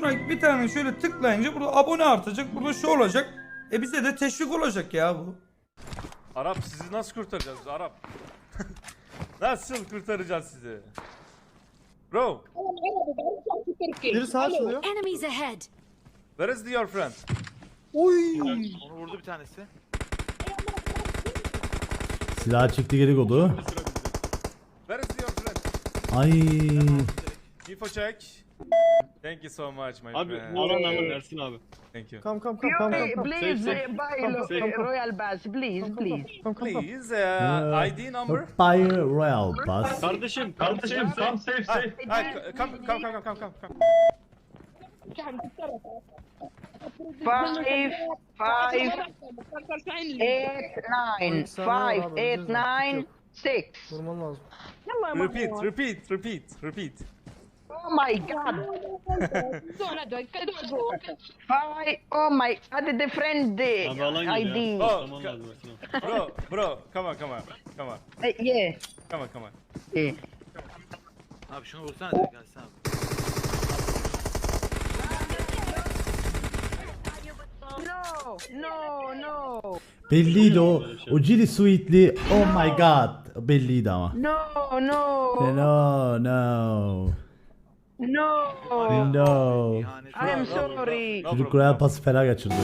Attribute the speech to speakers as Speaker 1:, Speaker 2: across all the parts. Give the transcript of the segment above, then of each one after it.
Speaker 1: Şuna bir tane şöyle tıklayınca burada abone artacak. Burada şu olacak. Bize de teşvik olacak ya bu.
Speaker 2: Arap sizi nasıl kurtaracağız Arap? Nasıl kurtaracağız sizi? Bro,
Speaker 3: Biri sağa açılıyor.
Speaker 4: Enemies ahead.
Speaker 2: where is your friend?
Speaker 3: Oy.
Speaker 5: Onu vurdu bir tanesi.
Speaker 6: Silah çekti geri kodu.
Speaker 2: Where is your friend?
Speaker 6: Ay.
Speaker 2: Info check. Thank you so much my
Speaker 7: Abi
Speaker 2: friend.
Speaker 7: Orhan abi versin abi.
Speaker 2: Thank you.
Speaker 3: Come.
Speaker 8: Please
Speaker 7: Safe.
Speaker 8: buy Royal Bass, please.
Speaker 2: Please, ID number?
Speaker 6: Fire Royal Pass.
Speaker 7: Kardeşim tam safe.
Speaker 2: Hi, come.
Speaker 8: 5, 8, 9, 5, 8, 9, 6.
Speaker 3: Vurman lazım.
Speaker 2: Repeat.
Speaker 8: Oh my god. Oh my god, the friend
Speaker 7: Abi alan geliyor.
Speaker 8: ID.
Speaker 2: Oh,
Speaker 7: Tamam lazım.
Speaker 2: bro, come on.
Speaker 8: Yeah.
Speaker 2: Come on.
Speaker 8: Yeah.
Speaker 5: Abi şunu vursana direkt gelsin abi.
Speaker 8: No.
Speaker 6: Belliydi o. O Chili Sweet'li. Oh my god. Belliydi ama.
Speaker 8: No.
Speaker 6: No.
Speaker 5: İhanet.
Speaker 8: I'm sorry.
Speaker 2: No
Speaker 6: Çocuk
Speaker 2: problem.
Speaker 6: Royal Pass'ı fena kaçırdı.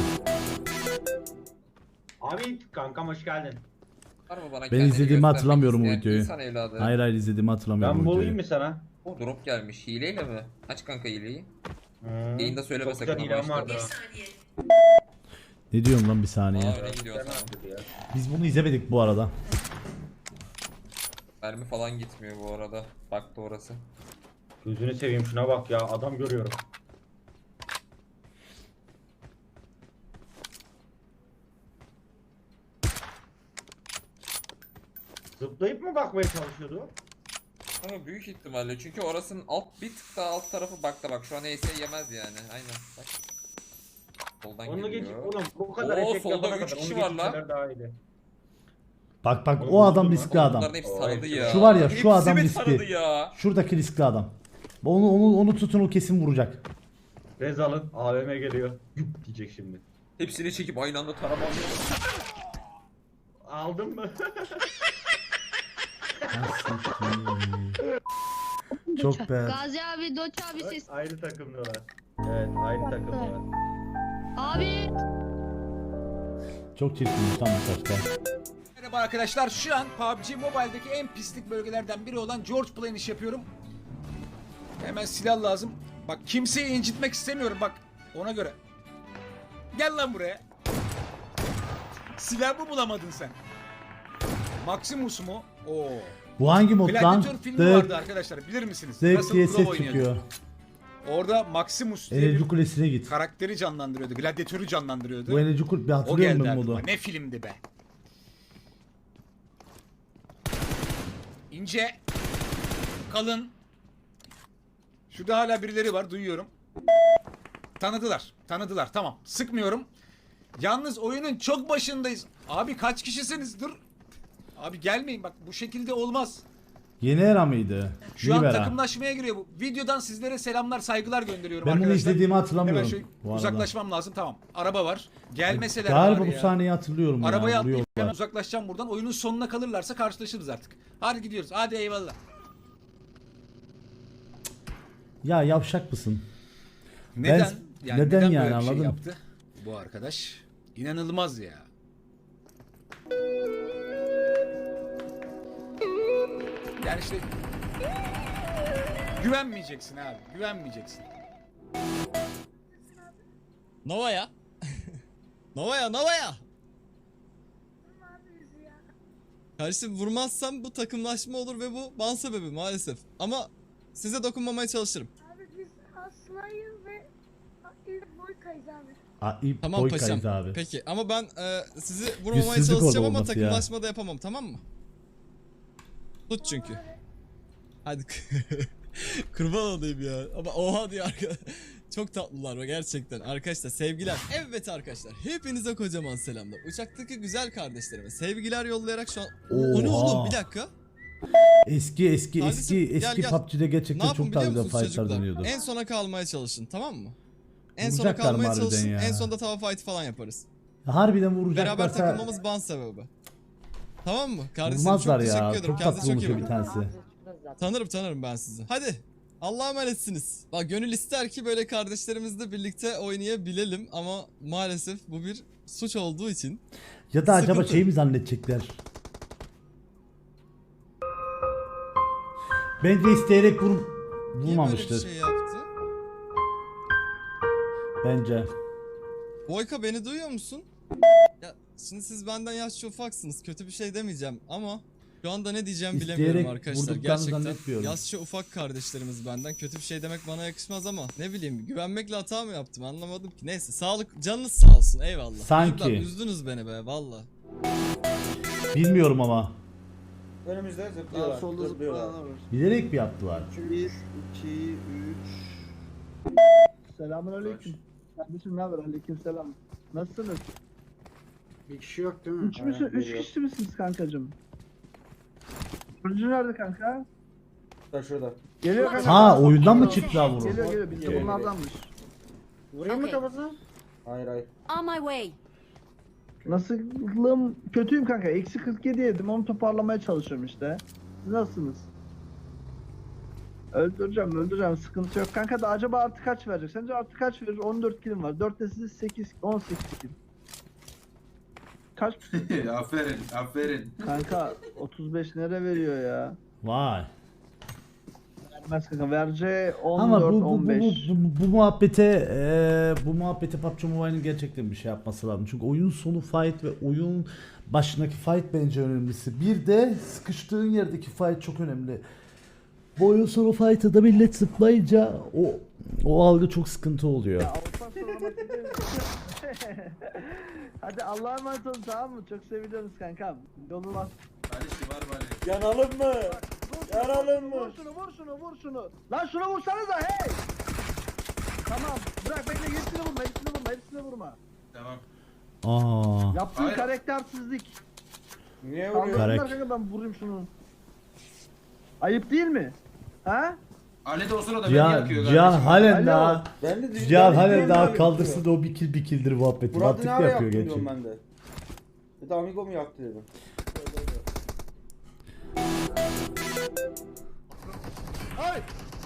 Speaker 9: Abi kankam hoş geldin.
Speaker 6: Ben izlediğimi hatırlamıyorum o videoyu.
Speaker 10: İnsan evladı.
Speaker 6: Hayır izlediğimi hatırlamıyorum
Speaker 9: Ben
Speaker 6: o
Speaker 9: bulayım
Speaker 6: videoyu.
Speaker 9: mı sana?
Speaker 10: O drop gelmiş. Hileyle mi? Aç kanka hileyi. Yayında söyleme
Speaker 9: Çok
Speaker 10: sakın
Speaker 9: güzel
Speaker 10: ama
Speaker 9: hilem vardı.
Speaker 10: işte.
Speaker 6: Ne diyorsun lan bir saniye.
Speaker 10: Aa öyle gidiyor tamam.
Speaker 6: Biz bunu izlemedik bu arada.
Speaker 10: Mermi falan gitmiyor bu arada. Baktı orası.
Speaker 9: Gözünü seveyim şuna bak ya adam görüyorum. Zıplayıp mı bakmaya çalışıyordu?
Speaker 10: Ama büyük ihtimalle çünkü orasının bir tık daha alt tarafı bakta bak şu an ES yemez yani. Aynen bak. Soldan
Speaker 9: Onu geç
Speaker 10: geliyor.
Speaker 9: oğlum bu kadar
Speaker 10: Oo,
Speaker 9: efekt
Speaker 10: solda
Speaker 9: yapana
Speaker 10: üç
Speaker 9: kadar
Speaker 10: kişi
Speaker 9: onu
Speaker 10: var lan.
Speaker 9: geçirseler daha iyiydi.
Speaker 6: Bak
Speaker 9: Oğlum,
Speaker 6: o adam
Speaker 9: vurdun
Speaker 6: riskli
Speaker 9: lan.
Speaker 6: adam.
Speaker 10: Bunların hepsi
Speaker 9: Oo,
Speaker 10: taradı
Speaker 9: hepsi.
Speaker 10: ya.
Speaker 6: Şu var ya, şu
Speaker 10: Hepsi
Speaker 6: adam
Speaker 10: beni
Speaker 6: riskli.
Speaker 10: taradı ya.
Speaker 6: Şuradaki riskli adam. Onu tutun o kesin vuracak.
Speaker 9: Rezal'ın AVM geliyor. Güp diyecek şimdi.
Speaker 10: Hepsini çekip aynı anda taramam.
Speaker 9: Aldın mı?
Speaker 6: Çok be.
Speaker 4: Gazi abi, Doç abi ses.
Speaker 9: Aynı takımdalar. Evet aynı takımdalar.
Speaker 4: Abi.
Speaker 6: Çok çirkinmiş tam bu taşta.
Speaker 11: Merhaba arkadaşlar, şu an PUBG Mobile'deki en pislik bölgelerden biri olan George Plain iş yapıyorum. Hemen silah lazım. Bak kimseyi incitmek istemiyorum bak ona göre. Gel lan buraya. Silah mı bulamadın sen? Maximus mu? Oo.
Speaker 6: Bu hangi mod lan?
Speaker 11: Gladiator filmi vardı arkadaşlar bilir misiniz?
Speaker 6: Zek
Speaker 11: Russell
Speaker 6: diye
Speaker 11: Crowe
Speaker 6: ses
Speaker 11: oynuyordu.
Speaker 6: çıkıyor.
Speaker 11: Orada Maximus diye
Speaker 6: Enerji
Speaker 11: bir
Speaker 6: Kulesi'ne git.
Speaker 11: karakteri canlandırıyordu. Gladyatörü canlandırıyordu.
Speaker 6: Bu Enerji Kulesi bir
Speaker 11: O
Speaker 6: hatırlıyorum
Speaker 11: geldi
Speaker 6: ben
Speaker 11: aklıma.
Speaker 6: modu.
Speaker 11: Ne filmdi be. İnce. Kalın. Şurada hala birileri var duyuyorum. Tanıdılar tamam. Sıkmıyorum. Yalnız oyunun çok başındayız. Abi kaç kişisiniz dur. Abi gelmeyin bak bu şekilde olmaz.
Speaker 6: Yeni era mıydı?
Speaker 11: Şu an
Speaker 6: Libera.
Speaker 11: takımlaşmaya giriyor bu. Videodan sizlere selamlar saygılar gönderiyorum
Speaker 6: Ben bunu
Speaker 11: arkadaşlar.
Speaker 6: izlediğimi hatırlamıyorum.
Speaker 11: Hemen
Speaker 6: bu arada.
Speaker 11: uzaklaşmam lazım tamam. Araba var. Gelmeseler
Speaker 6: Galiba
Speaker 11: bari
Speaker 6: bu
Speaker 11: ya.
Speaker 6: sahneyi hatırlıyorum
Speaker 11: Arabaya
Speaker 6: ya.
Speaker 11: atlayıp hemen
Speaker 6: Vuruyorlar.
Speaker 11: uzaklaşacağım buradan. Oyunun sonuna kalırlarsa karşılaşırız artık. Hadi gidiyoruz. Hadi eyvallah.
Speaker 6: Ya yavşak mısın?
Speaker 11: Neden?
Speaker 6: neden yani,
Speaker 11: böyle bir şey
Speaker 6: anladın mı?
Speaker 11: yaptı bu arkadaş? İnanılmaz ya. Yani işte güvenmeyeceksin abi. Güvenmeyeceksin.
Speaker 12: Nova'ya. Nova'ya. Kardeşim vurmazsam bu takımlaşma olur ve bu ban sebebi maalesef. Ama size dokunmamaya çalışırım.
Speaker 4: Abi biz Aslı'yı ve Boyka'yız abi.
Speaker 12: Tamam paşam.
Speaker 6: Abi.
Speaker 12: Peki ama ben sizi vurmamaya
Speaker 6: Yüzsüzlük
Speaker 12: çalışacağım
Speaker 6: oldu
Speaker 12: ama
Speaker 6: olması ya.
Speaker 12: takımlaşma da yapamam tamam mı? Tut çünkü. Hadi. Kurban olayım ya. Ama oha diyor arkadaşlar. Çok tatlılar ve gerçekten arkadaşlar sevgiler. Evet arkadaşlar hepinize kocaman selamlar. Uçaktaki güzel kardeşlerime sevgiler yollayarak şu an... O ne
Speaker 6: Oha.
Speaker 12: oğlum bir dakika.
Speaker 6: Eski
Speaker 12: Kardeşim, gel.
Speaker 6: PUBG'de
Speaker 12: Ne
Speaker 6: gerçekten
Speaker 12: yapın
Speaker 6: çok daha
Speaker 12: biliyor
Speaker 6: güzel
Speaker 12: musunuz
Speaker 6: fightlar
Speaker 12: çocuklar?
Speaker 6: dönüyordu.
Speaker 12: En sona kalmaya çalışın tamam mı? En sona
Speaker 6: Vuracaklar mı
Speaker 12: kalmaya
Speaker 6: harbiden
Speaker 12: çalışsın.
Speaker 6: ya?
Speaker 12: En sonunda tava fight falan yaparız.
Speaker 6: Harbiden
Speaker 12: Beraber
Speaker 6: vuracaklarsa
Speaker 12: takılmamız ban sebebi. Tamam mı? Kardeşim
Speaker 6: vurmazlar
Speaker 12: çok teşekkür
Speaker 6: ya.
Speaker 12: ederim.
Speaker 6: Çok
Speaker 12: Kendinize
Speaker 6: tatlı
Speaker 12: çok iyi
Speaker 6: olmuş bir
Speaker 12: bakın.
Speaker 6: tanesi.
Speaker 12: Tanırım ben sizi. Hadi. Allah'a emanetsiniz. Bak gönül ister ki böyle kardeşlerimizle birlikte oynayabilelim ama maalesef bu bir suç olduğu için.
Speaker 6: Ya da acaba
Speaker 12: Sıkıntı.
Speaker 6: şey mi zannedecekler? Bence isteyerek
Speaker 12: Niye böyle bir
Speaker 6: vurmamıştır.
Speaker 12: şey yaptı?
Speaker 6: Bence.
Speaker 12: Boyka beni duyuyor musun? Ya şimdi siz benden yaşça ufaksınız. Kötü bir şey demeyeceğim ama şu anda ne diyeceğim bilemiyorum
Speaker 6: İsteyerek
Speaker 12: arkadaşlar.
Speaker 6: vurduklarını
Speaker 12: Gerçekten
Speaker 6: zannetmiyorum.
Speaker 12: yaşça ufak kardeşlerimiz benden. Kötü bir şey demek bana yakışmaz ama ne bileyim güvenmekle hata mı yaptım anlamadım ki. Neyse sağlık canınız sağ olsun eyvallah.
Speaker 6: Sanki.
Speaker 12: Çocuklar, üzdünüz beni be valla.
Speaker 6: Bilmiyorum ama.
Speaker 3: Önümüzde zıplıyorlar. Solda zıplıyorlar.
Speaker 6: Bilerek mi yaptılar?
Speaker 3: 1, 2, 3. Selamünaleyküm. Kardeşim ne haber? Aleykümselam. Nasılsınız?
Speaker 9: Bir kişi yok değil mi?
Speaker 3: 3 kişi misiniz kankacım? Turuncu nerede kanka?
Speaker 9: Şurada.
Speaker 3: Geliyor kanka.
Speaker 6: Ha oyundan mı çıktılar bunu?
Speaker 3: Geliyor biz de bunlardanmış.
Speaker 9: Vurayım mı kafasına? Hayır.
Speaker 4: On my way.
Speaker 3: Nasılım? Kötüyüm kanka. Eksi 47 yedim. Onu toparlamaya çalışıyorum işte. Siz nasılsınız? Öldüreceğim. Sıkıntı yok. Kanka da acaba artı kaç verecek? Sence artı kaç verir? 14 kilim var. 4 de siz 8, 18 kilim. Kaç?
Speaker 9: aferin.
Speaker 3: Kanka 35 nereye veriyor ya?
Speaker 6: Vay.
Speaker 3: Vermez kanka. Verce
Speaker 6: Ama
Speaker 3: 14,
Speaker 6: bu
Speaker 3: 15.
Speaker 6: bu muhabbete PUBG Mobile'in gerçekten bir şey yapması lazım. Çünkü oyun sonu fight ve oyun başındaki fight bence önemlisi. Bir de sıkıştığın yerdeki fight çok önemli. Bu oyun sonu fight'ta da millet zıplayınca o algı çok sıkıntı oluyor.
Speaker 3: Ya Avrupa sormak Hadi Allah'a emanet olun tamam mı? Çok seviyoruz kankam. Yolun az.
Speaker 9: Yanalım mı? Yanalım mı?
Speaker 3: Vur şunu. Lan şunu vursanıza hey! Tamam bırak bekle hepsini vurma.
Speaker 9: Tamam.
Speaker 6: Aa.
Speaker 3: Yaptığın karaktersizlik.
Speaker 9: Niye
Speaker 3: Anladın
Speaker 9: vuruyor?
Speaker 3: mı kanka ben vurayım şunu. Ayıp değil mi? Ha?
Speaker 9: Ali de o sırada
Speaker 6: Cihan halen
Speaker 3: Alo.
Speaker 6: daha
Speaker 9: Ben de
Speaker 6: Cihan halen daha kaldırsın da o bir kildir muhabbeti.
Speaker 9: Murat'ı
Speaker 6: Mantıklı
Speaker 9: ne ara
Speaker 6: yapıyor
Speaker 9: yaptın diyorum
Speaker 6: gerçekten.
Speaker 9: ben de. Bir amigo mu yaktı dedim.
Speaker 3: Ay!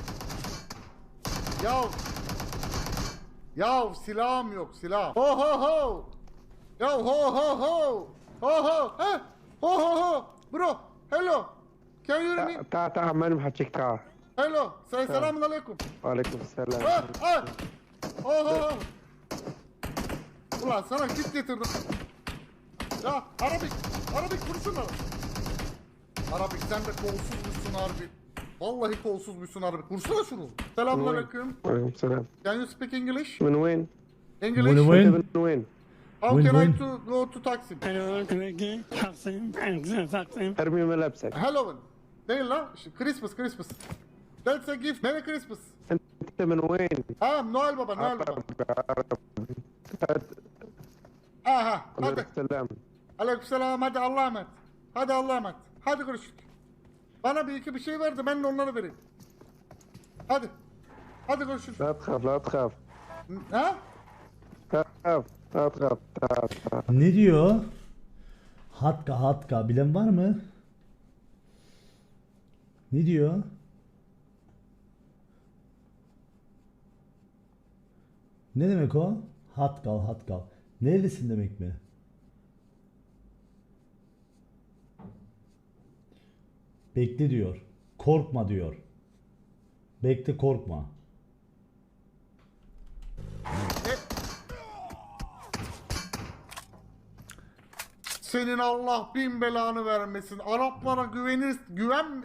Speaker 3: Ya silahım yok silah. Ho ho ho. Ya ho ho ho. Ho ho. He. Ho ho ho. Bro. Hello. Can you hear me?
Speaker 7: تعال ما نحكيك تعال
Speaker 3: Hello. Selamun aleyküm.
Speaker 7: وعليكم السلام
Speaker 3: Ha ha. Ho ho ho. Ulan sana kit getirdim. Ya Arabik vursun lan. Arabik sen de kolsuzmuşsun harbi. Vallahi kolsuzmuşsun Arabik. Vursana şunu. Selamun aleyküm.
Speaker 7: وعليكم السلام
Speaker 3: Can you speak English?
Speaker 7: من وين؟
Speaker 3: English?
Speaker 6: Win win.
Speaker 7: من وين؟
Speaker 3: How
Speaker 6: Win
Speaker 3: can I
Speaker 6: win.
Speaker 3: go to Taksim?
Speaker 7: ارمي ملابسك
Speaker 3: Halloween. Değil lan. Christmas. That's a gift. Merry Christmas.
Speaker 7: انت من وين؟
Speaker 3: Noel Baba. Aha.
Speaker 7: وعليكم
Speaker 3: Hadi.
Speaker 7: السلام
Speaker 3: Aleykümselam. Hadi Allah'a emanet. Hadi görüşürüz. Bana bir şey verdi. Ben de onları vereyim. Hadi görüşürüz.
Speaker 7: لا تخاف لا تخاف
Speaker 3: Ha?
Speaker 7: لا تخاف تعال
Speaker 6: Ne diyor? Hatka bilen var mı? Ne diyor? Ne demek o? Hatkal. Nerelisin demek mi? Bekle diyor. Korkma diyor. Bekle korkma.
Speaker 3: Senin Allah bin belanı vermesin. Araplara güven...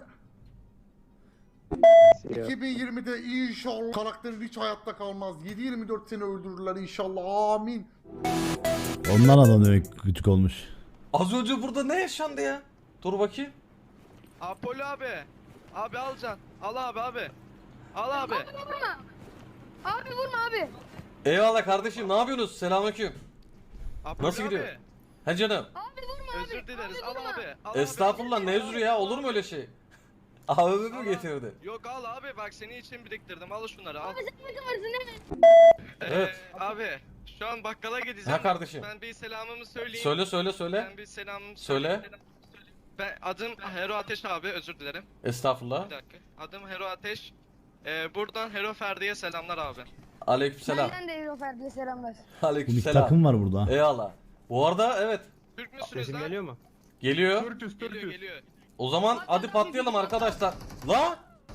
Speaker 3: 2020'de inşallah karakterin hiç hayatta kalmaz. 7-24 seni öldürürler inşallah. Amin.
Speaker 6: Ondan adam demek küçük olmuş.
Speaker 10: Az önce burada ne yaşandı ya? Dur bakayım.
Speaker 5: Apollo abi. Abi alacaksın. Al abi. Al abi.
Speaker 4: Abi vurma abi.
Speaker 10: Eyvallah kardeşim, ne yapıyorsunuz? Selamünaleyküm.
Speaker 5: Apollo
Speaker 10: Nasıl gidiyor?
Speaker 5: abi.
Speaker 10: He canım.
Speaker 4: Abi vurma abi.
Speaker 5: Özür dileriz.
Speaker 4: Abi
Speaker 5: Al
Speaker 4: vurma.
Speaker 5: abi. Al abi.
Speaker 10: Estağfurullah, ne özrü ya, olur mu öyle şey? AVM mi getirdi?
Speaker 5: Yok al abi bak senin için biriktirdim al şunları al.
Speaker 10: Evet.
Speaker 5: Abi şu an bakkala gideceğim.
Speaker 10: Ha kardeşim.
Speaker 5: Ben bir selamımı söyleyeyim.
Speaker 10: Söyle.
Speaker 5: Ben bir selamımı
Speaker 10: Söyle.
Speaker 5: Ben adım Hero Ateş abi özür dilerim.
Speaker 10: Estağfurullah.
Speaker 5: Bir dakika. Adım Hero Ateş. Buradan Hero Ferdi'ye selamlar abi.
Speaker 10: Aleykümselam.
Speaker 4: Benden de Euro Ferdi'ye selamlar.
Speaker 6: Bu bir
Speaker 10: Aleykümselam.
Speaker 6: takım var burada.
Speaker 10: Eyvallah. Bu arada evet.
Speaker 5: Türk müsünüz lan?
Speaker 2: mu?
Speaker 10: Geliyor.
Speaker 5: Geliyor.
Speaker 10: O zaman hadi patlayalım arkadaşlar. La!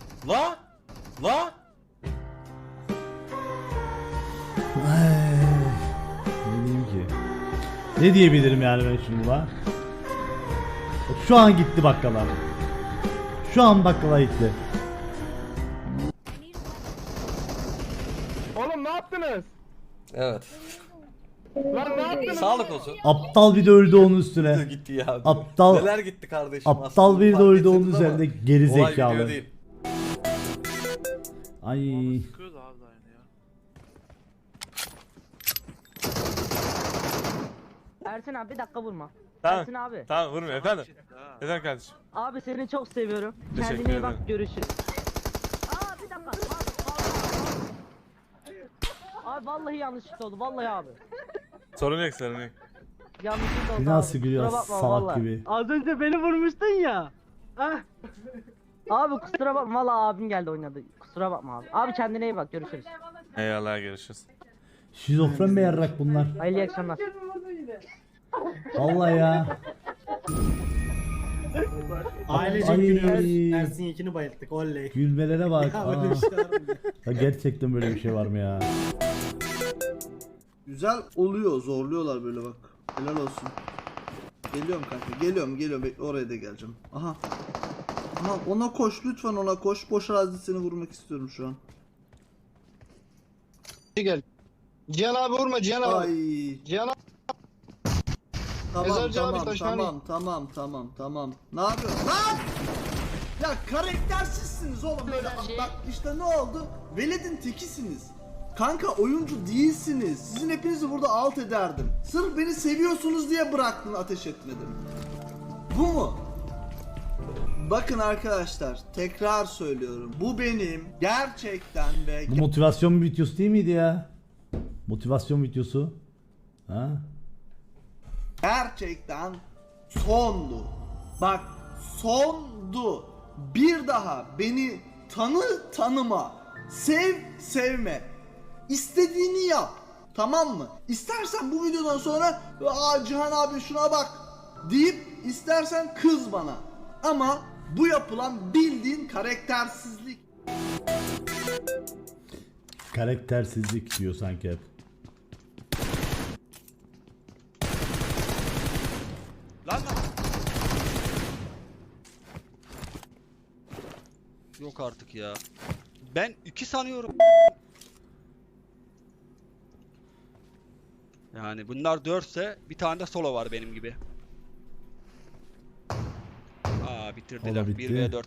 Speaker 6: Ne diyeyim ki? Ne diyebilirim yani ben şimdi la? Şu an gitti bakkala. Şu an bakkala gitti.
Speaker 2: Oğlum ne yaptınız?
Speaker 10: Evet.
Speaker 2: Lan ne yaptınız?
Speaker 10: Sağlık olsun.
Speaker 6: Aptal bir de öldü onun üstüne.
Speaker 10: Gitti ya.
Speaker 6: Aptal-
Speaker 10: Neler gitti kardeşim.
Speaker 6: Aptal
Speaker 10: aslında
Speaker 6: bir de
Speaker 10: fark
Speaker 6: öldü onun
Speaker 10: etseniz ama
Speaker 6: üzerinde geri
Speaker 10: olay
Speaker 6: zekalı.
Speaker 10: video değil.
Speaker 6: Ay.
Speaker 8: Ersin abi bir dakika vurma.
Speaker 2: Tamam.
Speaker 8: Ersin abi.
Speaker 2: Tamam vurmuyor efendim. Efendim kardeşim.
Speaker 8: Abi seni çok seviyorum.
Speaker 2: Teşekkür
Speaker 8: Kendine iyi bak
Speaker 2: ederim.
Speaker 8: görüşürüz. Aa bir dakika. Abi vallahi yanlışlıkla oldu vallahi abi.
Speaker 2: Sorun yok.
Speaker 8: Yanlışlıkla oldu
Speaker 6: Bir nasıl
Speaker 8: abi.
Speaker 6: gülüyor
Speaker 8: Kusura bakma
Speaker 6: salak
Speaker 8: vallahi.
Speaker 6: gibi.
Speaker 8: Az önce beni vurmuştun ya. Hah. Abi kusura bakma vallahi abim geldi oynadı. Kusura bakma abi. Abi kendine iyi bak görüşürüz.
Speaker 2: Eyvallah görüşürüz.
Speaker 6: Şizofren mi yarrak bunlar?
Speaker 8: Hayırlı akşamlar.
Speaker 6: Vallahi ya.
Speaker 13: Ailecek
Speaker 6: Ay.
Speaker 13: gülüyoruz. Ersin Yekin'i bayılttık. Oley.
Speaker 6: Gülmelere bak.
Speaker 13: Ya
Speaker 6: Aa.
Speaker 13: böyle bir şey var mı ya?
Speaker 6: Ya gerçekten böyle bir şey var mı ya?
Speaker 14: Güzel oluyor, zorluyorlar böyle bak. Helal olsun. Geliyorum kanka, geliyorum. Bekle oraya da geleceğim. Aha. Ona koş, lütfen ona koş. Boş arazisini vurmak istiyorum şu an.
Speaker 13: Gel. Cihan abi vurma Cihan abi.
Speaker 14: Ay.
Speaker 13: Cihan abi.
Speaker 14: Tamam. Ne yapıyorsun lan? Ya karaktersizsiniz oğlum böyle. Bak işte ne oldu? Veled'in tekisiniz. Kanka oyuncu değilsiniz. Sizin hepinizi burada alt ederdim. Sırf beni seviyorsunuz diye bıraktın, ateş etmedim. Bu mu? Bakın arkadaşlar, tekrar söylüyorum. Bu benim gerçekten ve
Speaker 6: Bu motivasyon videosu değil miydi ya? Motivasyon videosu. Ha?
Speaker 14: gerçekten sondu. Bak sondu. Bir daha beni tanıma. Sevme. İstediğini yap. Tamam mı? İstersen bu videodan sonra Cihan abi şuna bak deyip istersen kız bana. Ama bu yapılan bildiğin karaktersizlik.
Speaker 6: Karaktersizlik diyor sanki hep.
Speaker 13: Lan. Yok artık ya. Ben 2 sanıyorum. Yani bunlar 4 ise bir tane de solo var benim gibi. Bitirdiler.
Speaker 6: O da bitti.
Speaker 13: 1v4.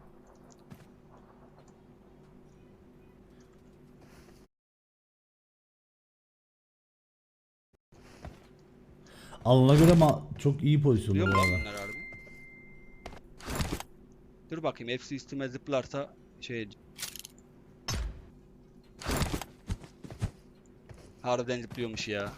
Speaker 6: Alına göre çok iyi pozisyonda
Speaker 13: Biliyor
Speaker 6: bu
Speaker 13: musun
Speaker 6: arada.
Speaker 13: bunlar harbi? Dur bakayım hepsi üstüme zıplarsa harbiden zıplıyormuş ya.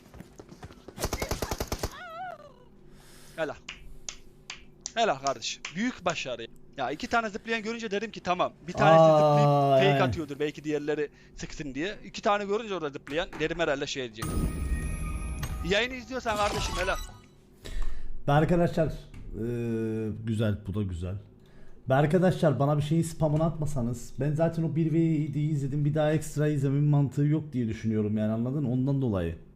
Speaker 13: Helal kardeşim. Büyük başarı. Ya 2 tane zıplayan görünce dedim ki tamam. Bir tanesi zıplayıp fake
Speaker 6: yani.
Speaker 13: atıyordur belki diğerleri sıksın diye. 2 tane görünce orada zıplayan dedim herhalde şey diyecek. Yayını izliyorsan kardeşim helal.
Speaker 6: Ve arkadaşlar güzel, bu da güzel. Ve arkadaşlar bana bir şeyin spamını atmasanız, ben zaten o 1v7'yi izledim, bir daha ekstra izlememin mantığı yok diye düşünüyorum yani, anladın? Ondan dolayı.